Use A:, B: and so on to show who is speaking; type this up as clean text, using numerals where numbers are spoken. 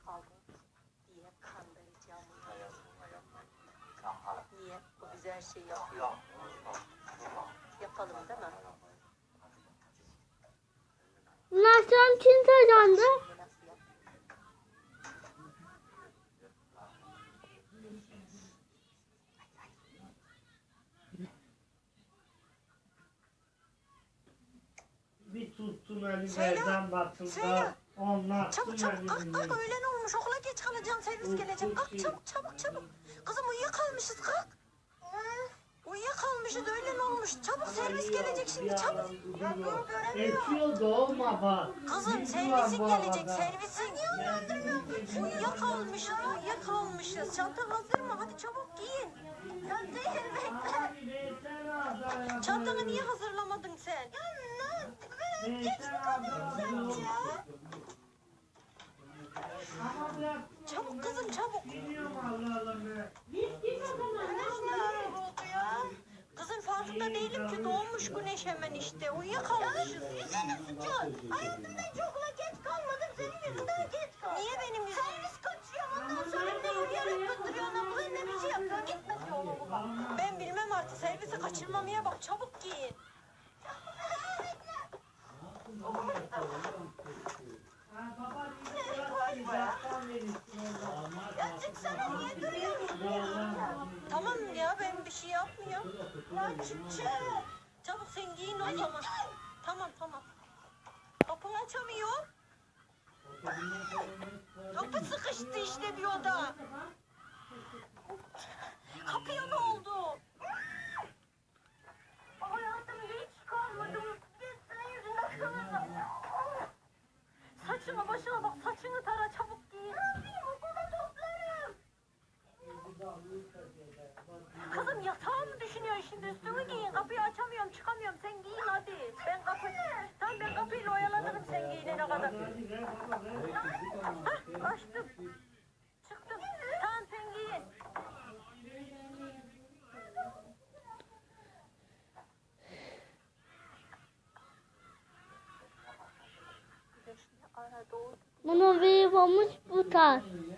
A: kaldın diye kandıracağım. Niye? O bize her şeyi yapıyor. Yapalım değil mi?
B: Nasıl kim kazandı?
A: Nasıl yap?
C: Bir tuttum elimden batında. Onlar
A: Çabuk çabuk kalk öğlen olmuş okula geç kalacağım servis gelecek kalk çabuk. Kızım uyuyakalmışız kalk. Uyuyakalmışız öğlen olmuş çabuk servis gelecek şimdi çabuk.
C: Esiyor da olma bak.
A: Kızım servisin gelecek servisin. Uyuyakalmışız çantan hazır mı hadi çabuk giyin. Çantanı niye hazırlamadın sen? Geç kalıyorum sence. Çabuk kızım çabuk. Güneş ne ara oldu ya? Kızım farkında değilim ki doğmuş güneş hemen işte. Uyuyakalmışız. Yüzüne sıçıyor. Hayatımda hiç okula geç kalmadım. Senin yüzünden geç kaldım. Niye benim yüzümden? Servis kaçıyor. Ondan sonra ne yürüyerek götürüyorsun okula ne bir şey yapıyorsun. Gitmez yolunu bu bak. Ben bilmem artık servisi kaçırmamaya bak. Çabuk giyin. Ya çıksana niye duruyorsun ya? Tamam ya ben bir şey yapmıyorum. Ya çık. Çabuk sen giyin o zaman. Tamam. Kapını açamıyorum. Kapı sıkıştı işte bir oda. Kapıya ne oldu? Hayatımda hiç kalmadım. Senin yüzünden kalırım. Saçına başına bak saçını tara çabuk giyin. Ne yapayım okulda toplarım. Kızım yatağı mı düşünüyorsun şimdi üstünü giyin kapıyı açamıyorum çıkamıyorum sen giyin hadi. Ben kapıyla oyalanırım sen giyinene kadar. Hah açtım. Çıktım. Tamam sen giyin.
B: Bunu bir olmuş bu tarz.